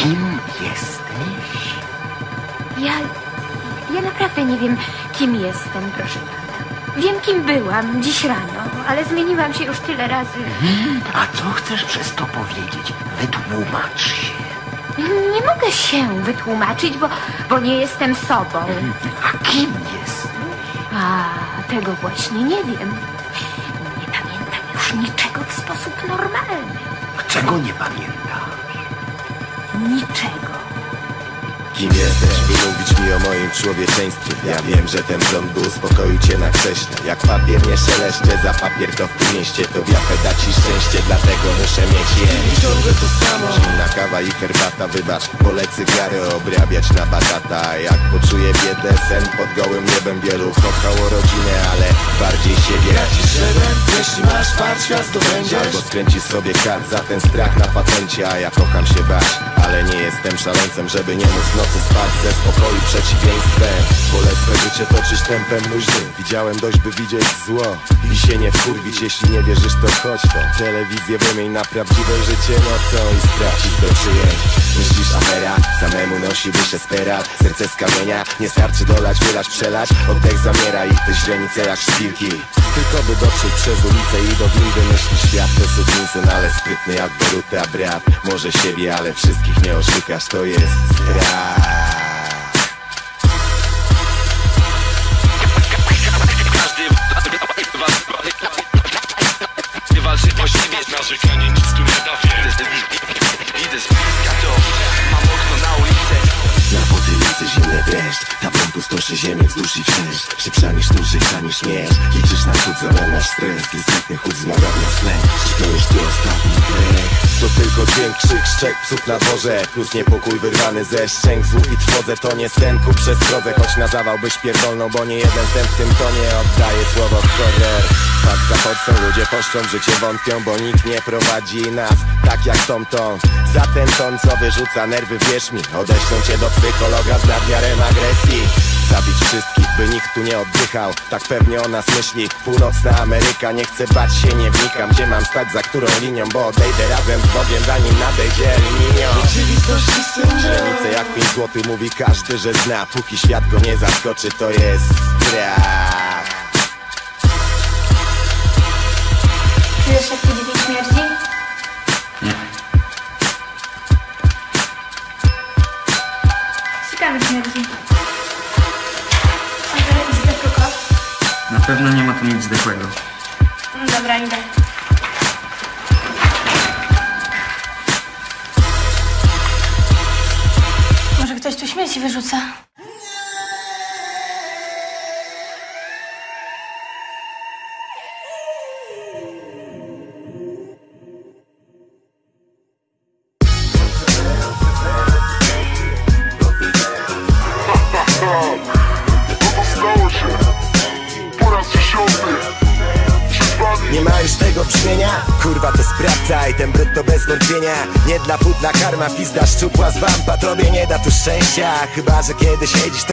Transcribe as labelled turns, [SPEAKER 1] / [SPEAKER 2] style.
[SPEAKER 1] Kim jesteś?
[SPEAKER 2] Ja naprawdę nie wiem, kim jestem, proszę pana. Wiem, kim byłam dziś rano, ale zmieniłam się już tyle razy.
[SPEAKER 1] A co chcesz przez to powiedzieć? Wytłumacz się.
[SPEAKER 2] Nie mogę się wytłumaczyć, bo nie jestem sobą.
[SPEAKER 1] A kim jesteś?
[SPEAKER 2] A tego właśnie nie wiem. Nie pamiętam już niczego w sposób normalny.
[SPEAKER 1] Czego nie pamiętasz?
[SPEAKER 2] Niczego.
[SPEAKER 3] Kim jesteś, by mówić mi o moim człowieczeństwie? Ja wiem, że ten prąd by uspokoił cię na krześle. Jak papier nie szeleszcze, za papier to w tym mieście to wiapę da ci szczęście, dlatego muszę mieć je. I ciągle to samo. Zimna kawa i herbata, wybacz, wolę cygary obrabiać na batata. Jak poczuję biedę, sen pod gołym niebem, wielu kochało rodzinę, ale bardziej siebie. Radzisz żebem, jeśli masz fart, świat zdobędziesz. Albo skręcisz sobie kart za ten strach na patencie, a ja kocham się bać, ale nie jestem szaleńcem, żeby nie móc w nocy spać ze spokoju przeciwieństwem. Wolę swe życie toczyć tempem luźnym. Widziałem dość, by widzieć zło i się nie wkurwić. Jeśli nie wierzysz, to chodź to telewizję wymień na prawdziwe życie nocą i sprawdź do przyjęć. Myślisz afera, samemu nosi wyższe sperat. Serce z kamienia, nie starczy dolać, wylać, przelać. Oddech zamiera i te źrenice jak szpilki. Tylko by dotrzeć przez ulicę i do windy. Myśli świat to sukinsyn, ale sprytny jak Boruta brat. Może siebie, ale wszystkich nie oszukasz, to jest strach.
[SPEAKER 4] Każdy walczy o siebie, narzekanie nic tu nie da, idę z to, mam okno na ulicę.
[SPEAKER 3] Na potylicy zimny dreszcz, tablą pustoszy ziemię wzdłuż i wszerz. Szybsza niż tu, szybsza niż śmierć. Liczysz na chód, zamiast stres. Dyskretny chód zmaga na snek. Czy to już ty ostatni drech? To tylko dźwięk, krzyk, szczek psów na dworze. Plus niepokój wyrwany ze szczęk. Złóg i trwodze to nie sen ku przestrodze. Choć na zawał byś pierdolną, bo nie jeden sen w tym tonie oddaje słowo horror. Fakt za podstą, ludzie poszczą, w życie wątpią, bo nikt nie prowadzi nas tak jak Tom. Za ten ton, co wyrzuca nerwy, wierz mi, odeślą cię do psychologa z nadmiarem agresji. Zabić wszystkich, by nikt tu nie oddychał, tak pewnie o nas myśli Północna Ameryka. Nie chcę bać się, nie wnikam, gdzie mam stać, za którą linią, bo odejdę razem z Bogiem, zanim nadejdzie linio. Rzeczywistość źrenice jak 5 złotych, mówi każdy, że zna. Póki świat go nie zaskoczy, to jest strach.
[SPEAKER 2] Czujesz, jak tu drzwi śmierdzi?
[SPEAKER 1] Nie.
[SPEAKER 2] Ciekawe śmierdzi. Może zdechły kot?
[SPEAKER 5] Na pewno nie ma tu nic zdechłego.
[SPEAKER 2] Dobra, idę. Może ktoś tu śmieci wyrzuca?
[SPEAKER 3] Nie ma już tego brzmienia? Kurwa to sprawdzaj, ten brud to bez wątpienia. Nie dla płótna karma, pizda szczupła z wampa, tobie nie da tu szczęścia. Chyba że kiedy siedzisz